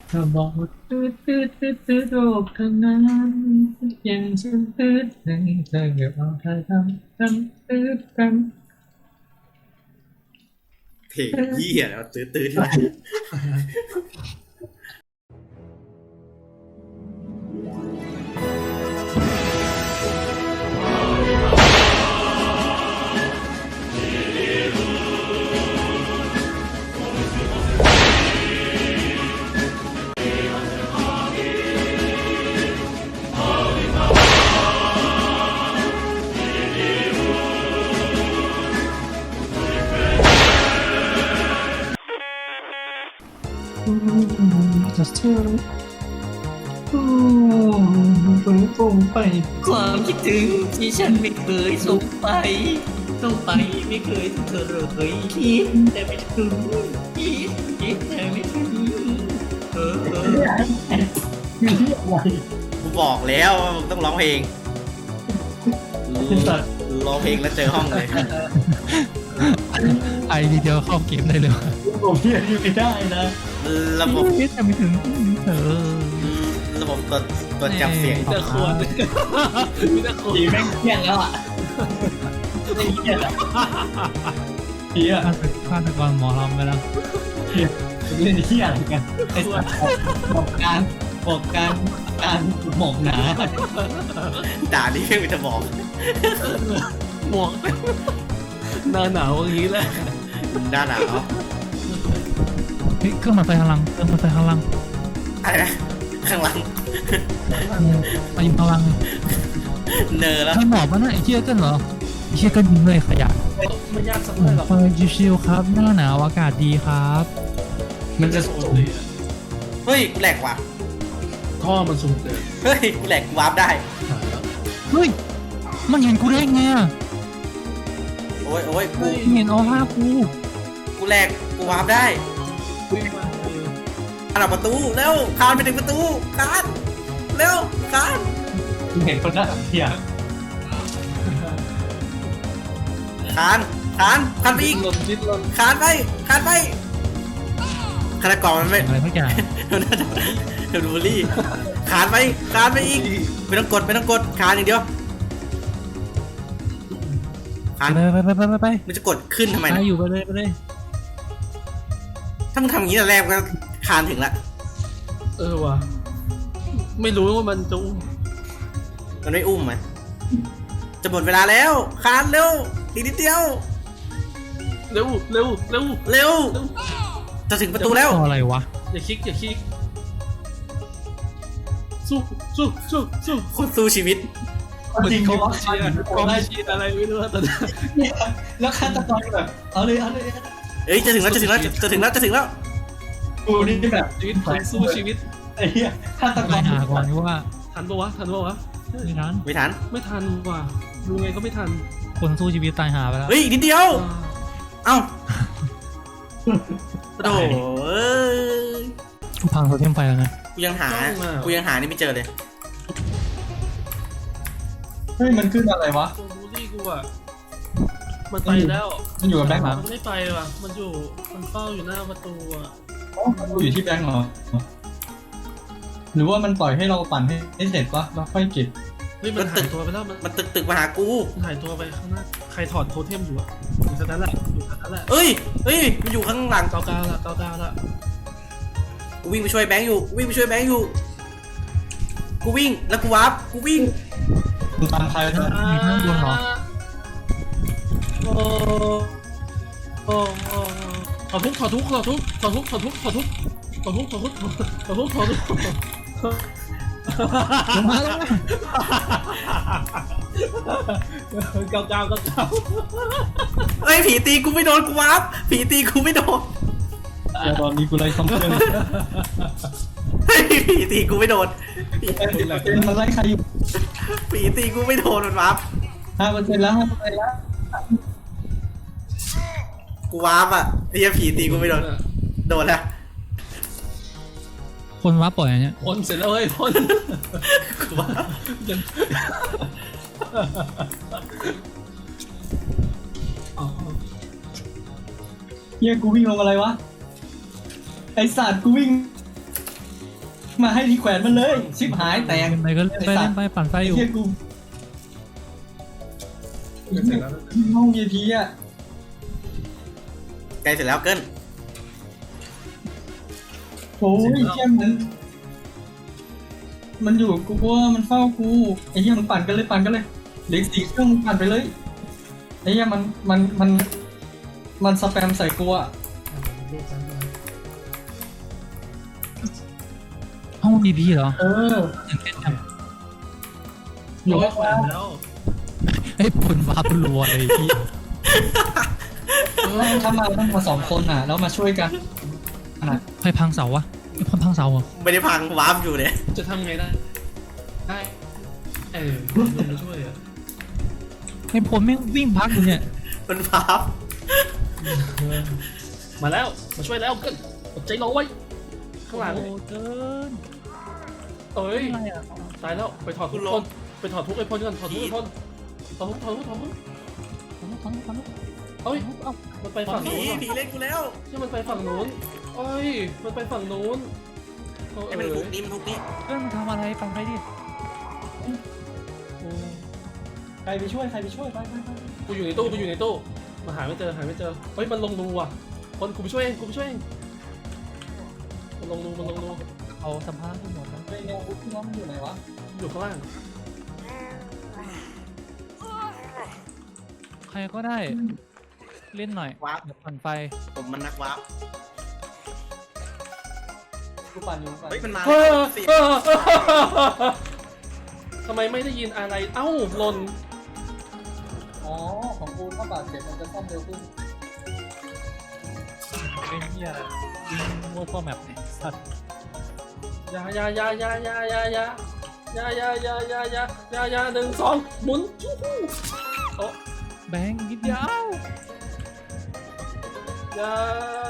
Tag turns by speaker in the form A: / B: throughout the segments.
A: เธอบอกว่าตืดโลกทั้งนั้นยังฉันตืดให้เธอเก็บเอาเธอทำตืดกัน
B: เพลงเหี้ยแล้วตื้อ
A: จะเธอส่งไป
C: ความคิดถึงที่ฉันไม่เคยส่งไปไม่เคยถึงเธอเลยคิดแต่ไม่ถึงคิดแต่ไม่ถึง
B: กูบอกแล้วว่ามึงต้องร้องเพลงร้องเพลงแล้วเจอห้องเลย
D: ไอทีเดียวเข้าเกมได้เลย
A: ผมเพี้ยนไม่ได้นะ
B: ระบบ
D: คิดแต่ไม่ถึงเธอ
B: ระบบตัวจับเสียง
C: แต่ควรมีแต่ควร
A: ผีแม่งเพี้ยนแล้วอ่ะไม่เพี้ยนแล้วผีอ่ะ
D: ฆาตกรหมอลำไปแล้ว
A: เล่นเพี้ยอะไรกันไอ้สัตว์บอกการหมกหนา
B: ด่านี่เพียงจะบอก
C: หมวกหน้าหนาวอย่างนี้แหละ
B: ด่าหนาว
D: เฮ้ยเครื่องมาไฟพลัง
B: อะไรนะข้างหลัง
D: มายิงพลัง
B: เนอแล้ว
D: ใครหมอบมันน่ะไอ้เชี่ยกันเหรอไอ้เชี่ยกันยิงเลยขยะ
C: ไม่ยากสักเท่าไหร่หรอก
D: ไฟชิวๆครับหน้าหนาวอากาศดีครับ
A: มันจะสูง
B: เฮ้ยกูแหลกว่ะ
C: ท่อมันสูงเกิน
B: เฮ้ยกูแหลกวาร์ปได้
D: เฮ้ยมันเห็นกูได้ไงอ่ะ
B: โอ้ยกู
D: เห็นออร่ากู
B: กูแหลกกูวาร์ปได้
C: วิ่งมา
B: อันดับประตูเร็วคานไปถึงประตูคานเร็วคาน
A: คุณเห็นคนหน้าเพี้ย
B: คานไปอีก
C: ดิ้นรน
B: คานไปฆาตกรมันไม่
D: อะไรทุกอย่าง
B: มันน่าจะเดี๋ยวดูบุลี่คานไปอีกไม่ต้องกดคานอย่างเดียวคาน
D: ไป
B: มันจะกดขึ้นทำไม
D: ไป
B: นะ
D: อยู่ไปเลย
B: ถ้ามึงทำอย่างนี้แต่แรกก็คานถึงละ
C: ว่ะไม่รู้ว่ามันจะ
B: มันไม่อุ้มไหมจะหมดเวลาแล้วคานเร็วอีกนิดเดียว
C: เร็ว
B: เร็วจะถึงประตูแล้ว
D: อะไรวะ
C: อย่าคลิกสู้
B: คนสู้ชีวิต
A: จริงเขาว่า
C: เชียร์กองเชียร์อะไรไม่รู้ตอนนี้
A: แล้วฆาตกรแบบเอาเลย
B: เอ้ยจะถึงแล้ว
A: กูนี่แบบ
C: ชีวิตคนสู้ชีวิต
A: ไอ้เหี้ยฆาตก
D: ไป
A: ร
D: หาก่อนนี่ว่า
C: ทันปะวะ
D: ไม่ทัน
B: ไม่ทัน
C: ไม่ทันว่ะดูไงก็ไม่ทัน
D: คนสู้ชีวิตตายหาไปแล้ว
B: เฮ้ยอีกนิดเดียวเอ้าโอ้โหเอ้ย
D: กูพังโซเทียมไฟแล้วนะ
B: กูยังหานี่ไม่เจอเลย
A: เฮ้ยมันขึ้นอะไรวะ
C: ตัวบูลลี่กูอ่ะมันไปแล้ว
A: มันอยู่กับแบงค์เหรอ
C: มันไม่ไปว่ะมันเฝ้าอยู่หน้าประตูอ่ะ
A: มันอยู่ที่แบงค์เหรอหรือว่ามันปล่อยให้เราปั่นให้เสร็จปะแล้วค่อยเก็บ
C: เฮ้ยมันหายตัวไปแล้ว
B: มันตึกมาหากู
C: มันหายตัวไปข้างหน้าใครถอดโทเทมอยู่อ่ะอยู่แค่นั้นแหละ
B: เอ้ยมันอยู่ข้างหลัง
C: เก้าละ
B: กูวิ่งไปช่วยแบงค์อยู่กูวิ่งแล้วกูวาร์ปกูวิ่ง
A: ดูตามใครนะ
D: มีข้างบนเหรอ
C: ถอดทุกเก้า
B: เอ้ยผีตีกูไม่โดนกูวาร์ปผีตีกูไม่โดน
A: แต่ตอนนี้กูไล่ซ้ำเพื่อน
B: เฮ้ยผีตีกูไม่โดน
A: เป็นมันไล่ใครอยู่
B: ผีตีกูไม่โดนมันวาร์ป
A: 5%แล้ว
B: กูวาร์ปอ่ะไอ้เหี้ยผีตีกูไม่โดนแล้ว
D: คนว้าปล่อยอันเนี้ย
C: พ่นเสร็จแล้วเฮ้ยพ่น
B: กูวาร์ป
A: เฮียกูวิ่งลงอะไรวะไอสัตว์กูวิ่งมาให้ที่แขวนมันเลยชิบหายแตก
D: เล่นไปก็เล่นไปเล่นไปปั่นไฟอยู่
A: ไอ้เหี้ยกูห้อง VIP อ่ะ
B: ใกล้เสร็จแล้วเกิน
A: โอ้ยเหี้ยมันอยู่กูว่ามันเฝ้ากูไอ้เหี้ยมันปั่นกันเลยปั่นกันเลยเหล็ก4 เครื่องมึงปั่นไปเลยไอ้เหี้ยมันสแปมใส่กูอ่ะ
D: ห้องบีบีเหรอ
A: เออ
D: ตื่นเต้นจัง
A: อยู่
C: โอ้ย
A: ว่า
C: แขวนแล้ว
D: ไอ้ยผลวาร์ปรัวเลยพี่
A: ถ้ามาต้องมา2 คนอ่ะแล้วมาช่วยกันอ่ะ
D: ใครพังเสาวะไอ้คนพังเสาเหรอ
B: ไม่ได้พังวาร์ปอยู่เนี่ย
C: จะทำไงได้ลงมาช่วยอ่ะ
D: ไอ้ผมไม่งวิ่งพักอยู่เนี่ย
B: มันวาร์ป
C: มาแล้วมาช่วยแล้วเกินอดใจรอไว้ข้างหลัง
D: โอ้เกิน
C: เอ้ย
D: อะไรอ่ะ
C: ตายแล้วไปถอดทุกคนไปถอดทุกไอ้พลก่อนถอดทุกไอ้พลถอดทุกเอ้ย
D: เอ้า
C: มันไปฝั่ง
B: ผี
C: นู้นว่ะ
B: ผีเล่นกูแล้ว
C: ใช่มันไปฝั่งนู้นเอ้ยมันไปฝั่งนู้น
B: ไอ้มันทุกนี้มันทุกนี้
D: เกินมันทำอะไรปั่นไฟดิ
A: ใครไปช่วยไป
C: กูอยู่ในตู้มาหาไม่เจอเฮ้ยมันลงรูว่ะคนกูไปช่วยเองมันลงรู
D: เอาสัมภาระทั้งหมดนะ
A: ไปเร็วพี่น้องมันอยู่ไหนวะ
C: อยู่ข้างล่าง
D: ใครก็ได้ เล่นหน่อยว
B: าร์ป
D: เดี๋ยวปั่นไฟ
B: ผมมันนักวาร์ป
A: กูปั่นอยู่
B: เฮ้ยมันมา
C: เออ
B: สิ
C: ทำไมไม่ได้ยินอะไรเอ้าหล่น
A: อ๋อของกูถ้าบาดเจ็บมันจะซ่อมเร็วขึ้น
D: เป็นเหี้ยอะไรยิงมั่วตัวแมปเนี่ยสัตว์
C: ยา1 2หมุนโอ้
D: แบงค์นิดเดียวย
C: า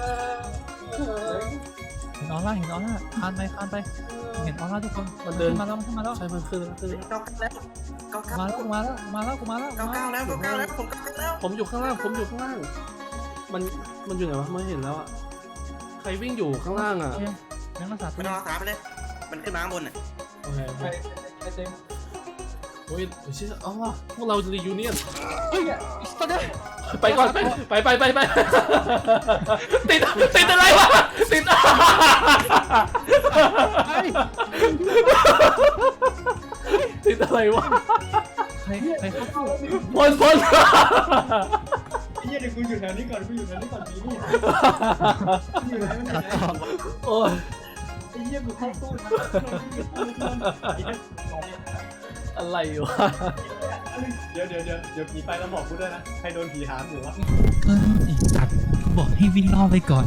D: เห็นออร่าคานไปเห็นออร่าทุกคน
C: มันเดิน
D: มาแล้วมาแล้ว
C: ใช่มันขึ้น
B: เก้าแล้วเก้า
D: มาแล้วมาแล้ว
B: แล้วผมเก้าแล้ว
C: ผมอยู่ข้างล่างมันอยู่ไหนวะไม่เห็นแล้วอ่ะใครวิ่งอยู่ข้างล่างอ่ะ
D: ยังรักษาตั
B: ไม่
D: ว
B: ต้องรักษาไปเลย มันขึ้นมาข้างบนน่ะ
C: โอเค
A: ไปเต็ม
C: โอ้ยชิอ๋อพวกเรารียูเนียน
A: เฮ้ยตอนนี้
C: ไปก่อนไปติดอะไรวะติดอะไรวะ
D: ใครเข้า
C: พล
A: ไอ้เหี้ยเดี๋ยวกูอยู่แถวนี้ก่อนมีนี่อยู่ไหนมัน
C: โอ้ย
A: ไอ้เหี้ยกูเข้าตู้นะ
C: อะไรวะ
A: เดี๋ยวผีไปแล้วบอกกูด้วยนะใครโดนผีหามอยู่วะ
D: สัตว์บอกให้วิ่งล่อไปก่อน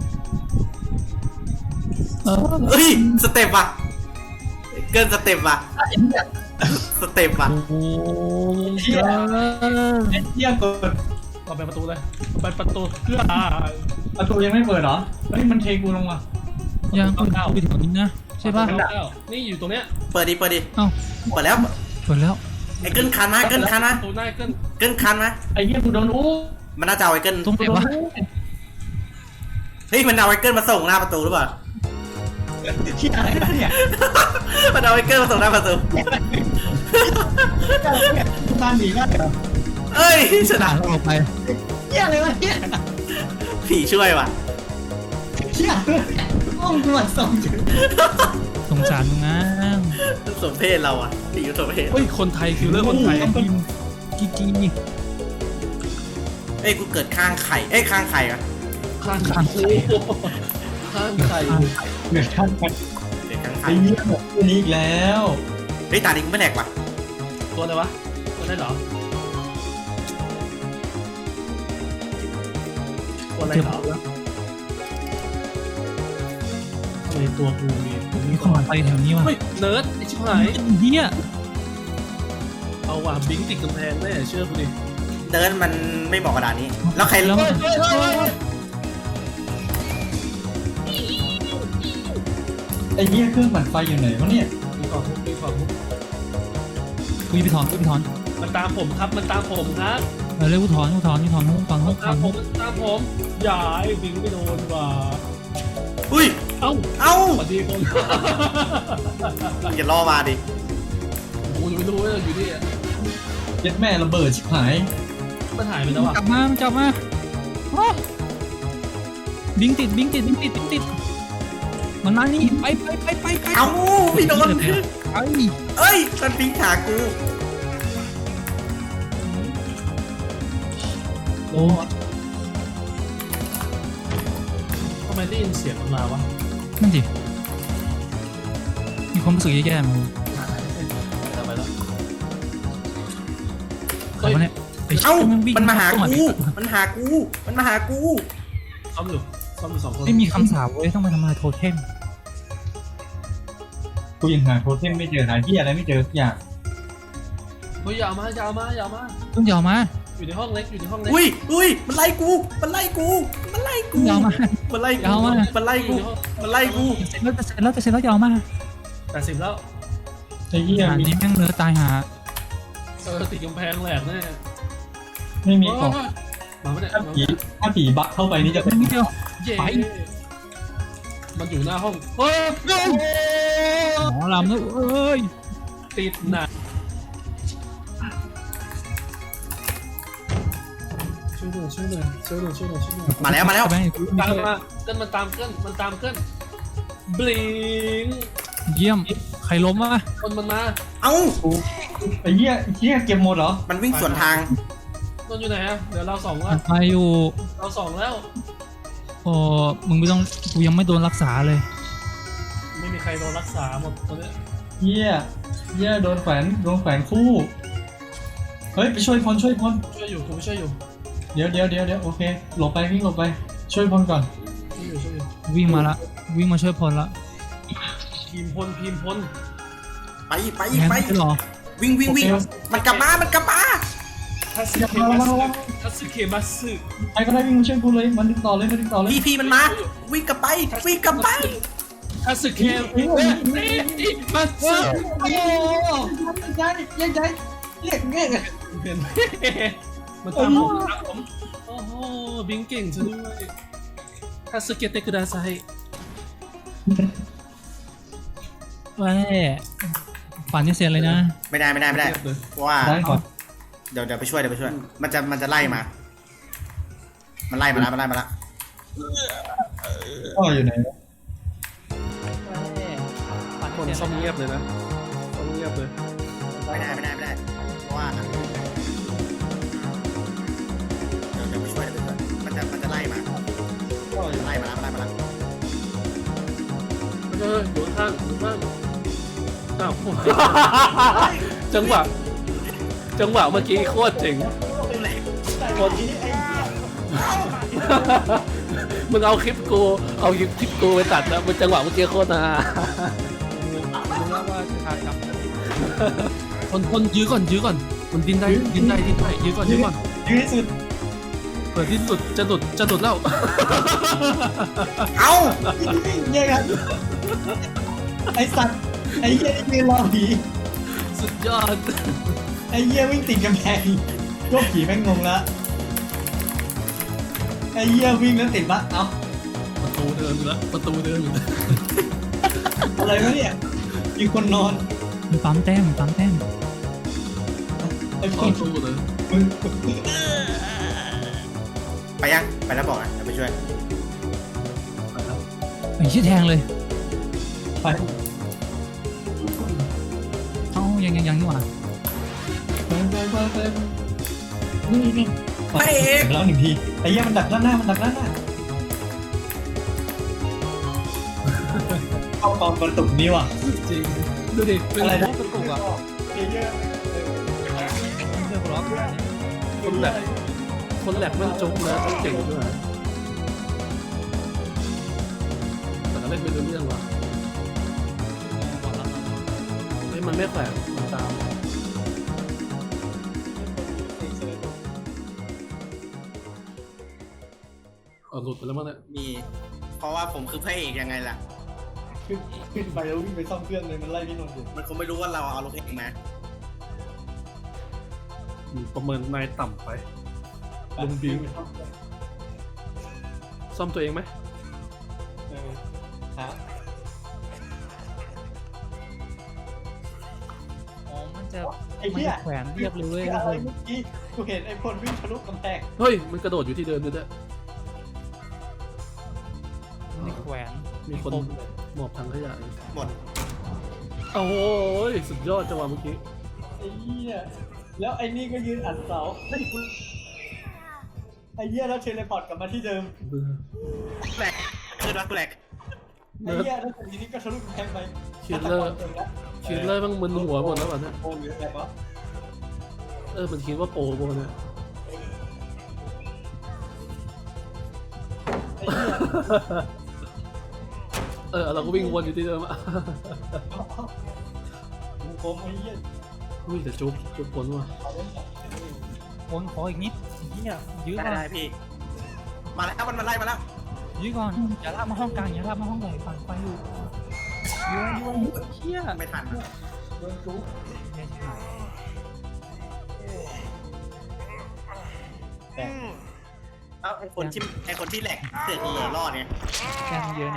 B: เฮ้ยสเต็ปว่ะเกินสเต็ปว่ะสเต็ปว่ะ
D: โอ้เกิน
A: ไอ้เหี้ยกด
C: เราไปประตูเลยไปประตูเพื่อ
A: ประตูยังไม่เปิดเหรอเฮ้ยมันเทกูลงว่ะ
D: ยังไปถึงนี้นะใช่ป่ะ
C: นี่อยู่ตรงเนี้ย
B: เปิดดิ
D: เอ้า
B: เปิดแล้ว
D: เปิดแล้ว
B: ไอ้เกินคันมา
C: ประตูหน้าเกิน
B: เกินคันมา
A: ไอ้เหี้ยกูโดนอู้
B: มันน่าจะเอาไอ้เกิน
D: ตรงไหนวะ
B: เฮ้ยมันเอาไอ้เกินมาส่งหน้าประตูหรือเปล่า
A: ที่อะไรวะเนี่ย
B: มันเอาไอ้เกินมาส่งหน้าประตู
A: บ้านหนีได้เหรอ
B: เอ้ยช
D: หา
B: นะ
D: เราออกไป
A: เหี้ยอะไรวะเนี่ย
B: ผีช่วยว่ะ
A: เหี้ยห้องกูมันส่งอยู่
D: สงสารมึงนะ
B: สมเพศเราอ่ะผีสมเพศ
C: เฮ้ยคนไทยคิวเลอร์คนไทย
D: กินกี
B: เอ้ยกูเกิดข้างไข่ข้างไข่อ่ะ
C: ข้างไข่
A: เหนื่อยท่านไป
B: เกิดข้างไข่
A: ไอ้เหี้ยแบบนี้อีกแล้ว
B: เฮ้ยตาดิงไม่แหลกว่ะ
C: ตัวอะไรวะตัวได้เหรอตัวอะไรเหรอทำไมตัวกูมี
D: มีคนไปแถวนี้ว่ะ
C: เฮ้ยเนิร์ดไอชิบหาย
D: เฮีย
C: เอาว่ะบิงติดกำแพงแน่เชื่อกูดิ
B: เดินมันไม่เหมาะกระดานนี้ แล้วใคร
D: แล้ว
A: ไอ้เหี้ยเครื่องปั่นไฟอยู่ไหนวะเนี่ย
C: มีของทุก
D: คุยไปถอน
C: มันตามผมครับมันตามผมครับ
D: เร็วถอน
C: ตามผมอย่าไอ้บิงไม่โดนว่ะ
B: กูอุ้ย
C: เอ้า
B: เอ้า
C: สวัสดีคน
B: มึงอย่าล่อมาดิ
C: กูยังไม่รู้ว่าอยู่นี่
A: เย็ดแม่ระเบิดชิบหาย
C: มันหายไปแล้วอ่ะ
D: กลับมามันกลับมาโอ้บิงติดบิงติดบิงติดบิงติดมันมานี่ไปไปไปไปไป
B: เอ้าพี่โดน
D: ไป
B: เอ้ยมันปิงหากู
C: โอ้ทำไมได้ยินเสียงมันมาวะ
D: นั่นสิมีความรู้สึกแย่ๆมั้ง
C: ไปแล้ว
D: ใครวะเนี่ยไอ้
B: เอ้า
D: วิ่ง
B: มันมาหา
D: เข้
B: กูมันหากูมันมาหากู
C: ซ้อมอยู่สองคน
D: ไม่มีคำสาปเว้ยต้องมาทำลายโทเทม
A: กูยังหาโทเทมไม่เจอหาที่อะไรไม่เจอสักอย่าง
C: เฮ้ยอย่ามาอย่ามาอย่ามา
D: ต้องยาวมา
C: อยู่ในห้องเล็กอยู่ในห้องเล็ก
B: อุ้ยอุ้ยมันไล่กูมันไล่กูมันไล่กู
D: ยาวมา
B: มันไล่กู
D: ยาวมาก
B: มันไล่กูมันไล่กู
D: เสร็จแล้วจะเสร็จแล้วจะเสร็จแล้วยาวมา
C: 80แล้ว
A: ไอ้เหี้ย
D: งาน
A: มี
D: นี้แม่งเนื้อตายหา
C: ติดกำแพงแหลกแน่
A: ไม่มีของ
C: มาไม่ได้
A: ถ้าผีบักเข้าไปนี่จะเป็น
D: นิดเดียว
C: เย้
D: ไป
C: มันอยู่หน้าห้องเฮ้ย
D: หมอลำนะเอ้ย
C: ติดหนักช่วยหน่อยช่วยหน่อยช่วยหน่อยช่วยหน่อยช่วยหน่อย
B: มาแล้วมาแล้ว
D: ไป
C: ตามมาเกินมันตามเกินมันตามเกินบลิง
D: เยี่ยมใครล้มวะ
C: คนมันมา
B: เอ้า
A: ไอ้เหี้ยเก็บหมดเหรอ
B: มันวิ่งสวนทาง
C: นนอยู่ไหนอะเดี๋ยวเราสองละ
D: ไปอยู่
C: เราสองแล้ว
D: โอ้มึงไม่ต้องกูยังไม่โดนรักษาเลย
C: ไม่มีใครโดนรักษาหมดตอนนี้
A: เหี้ยโดนแขวนคู่เฮ้ยไปช่วยพลช่วยพล
C: ช่วยอยู่กูช่วยอยู่
A: เดี๋ยวโอเคหลบไปวิ่งหลบไปช่วยพลก่อน
C: ช่วยอยู่ช่วยอยู่
D: วิ่งมาละวิ่งมาช่วยพลละ
C: พิมพล
B: ไปไป
D: แทง
B: ไป
D: ไม่หรอ
B: วิ่งวิ่งวิ่งมันกลับมามันกลับมา
C: ทัสเคมัสทัสเคมัส
A: ใครก็ได้วิ่งมาช่วยกูเลยมันดึงต่อเลย
B: พี่มันมาวิ่งกลับไปวิ่งกลับไป
C: ทัสเคมัส
A: โอ้ย้ายเรียกเงี้ย
C: เห็นมันตามผมโอ้โหบิงเก่งซะด้วยทัสเกเตกุดาไซ
D: แหวฝันจะเสียเลยนะ
B: ไม่ได้เพราะว่า
A: ได้ก่อน
B: เดี๋ยวไปช่วยมันจะไล่มามันไล่มาแล้ว
A: พ่ออยู่ไหน
C: คนซ่อมเงียบเลยนะซ่อมเงียบเลย
B: ไม่ได้เพราะว่าเดี๋ยวไปช่วยมันจะไล่มา
A: พ่ออยู่
B: ไล่มาแล้ว
C: อยู่ข้างอ้าวจังหวะเมื่อกี้โคตรเจ๋งมึงเอาคลิปกูไปตัดนะมันจังหวะเมื่อกี้โคตรนะคนยื้อก่อนมันดิ้นได้ยื้อก่อน
A: ยืนที่สุด
C: เปิดดิ้นสุดจะหลุดแล้ว
B: เอ้า
A: เงี้ยกันไอสัตว์ไอเหี้ยยืนรอผี
C: สุดยอด
A: ไอเหี้ยวิ่งติดกำแพงก็ผีแม่งงงละไอเหี้ยวิ่งแล้วติดปะเอ้า
C: ประตูเดิมอยู่แล้ว
A: อะไรวะเนี่ยมีคนนอน
D: มันปั๊มแต้ม
A: ไอ้ค
C: ต่อน สู้เลย
A: มึง
B: ไปยังไปแล้วบอกนะเดี๋ยวไปช่วย
D: ไอ้ชี้ยแทงเลย
A: ไป
D: เอ้ายังนี่หว่า
A: นี่
B: พระเอก
A: แล้วหนึ่งทีไอ้เหี้ยมันดักด้านหน้าเข้าตอนกระตุกนี่ว่ะ
C: จริงดูดิเป็น
A: อะไรนะ
C: กระตุกอ่ะ
A: ไอ้เหี้ย
D: เพื่อนร้อง
C: คนแหลกมันจุกนะต้องเจ๋งด้วยแต่ก็เล่นไม่รู้เรื่องว่ะเฮ้ยมันไม่แขวนมันตามหลุดไปแล้วมั้งเนี่ย
B: มีเพราะว่าผมคือพระเอกยังไงล่ะ
A: ขึ้นไปแล้ววิ่งไปซ่อมเครื่องเลยมันไล่พี่นนท์อยู่
B: มันคงไม่รู้ว่าเราเอารถเองมา
C: ประเมินนายต่ำไปลุงบิวซ่อมตัวเองไหมฮะ
D: อ๋อมันจะ
C: ไอ้เหี้ย
D: แขวนเรียบเลยเว้ย
C: อะไรเมื่อกี้กูเห็นไอ้คนวิ่งทะลุกำแพง
E: เฮ้ยมันกระโดดอยู่ที่เดิมด้วย
D: ในแขวน
E: มีคน
D: ปมเลย
E: หมอบถังขยะ
B: หมด
E: โอ้ยสุดยอดจังหวะเมื่อกี้
C: ไอ้เหี้ยแล้วไอ้นี่ก็ยืนอัดเสาไอ้กูไอ้เหี้ยแล้วเทเลพอร์ตกลับมาที่เดิม
E: เบื่อ
B: แปลกเกิดว่าแปลก
C: ไอ้เหี้ยแล้วทีนี้ก็ทะลุกำแพงไป
E: คิดเลอร์บ้างมึนหัวหมดแล้วป่ะเนี่ย
C: โอ้ยอะไรวะ
E: มันคิดว่าโปรโบเนี่ย
C: ไอ้เหี้ย
E: เราก็วิ่งวนอยู่ที่เดิมอ่ะ
C: กูโกงไอ้เหี้ย
E: อุ้ยแต่จุ๊บผลว่ะ
C: เอาเล่นแบบ
D: วนขออีกนิดเหี้ยยื้อ
B: ได้
D: ก่อน
B: ได้พี่ มาแล้วมันไล่มาแล้ว
D: ยื้อก่อนอย่าลากมาห้องกลางอย่าลากมาห้องใหญ่ฝั่งไฟอยู่ยื้อเหี้ย
B: ไม่ทัน
C: โดนจุ๊บ
D: ไม่ใช่
C: แต่
B: เอ้าไอคนที่แหลกเสือกรอดเนี่ย
D: แกงเยอะ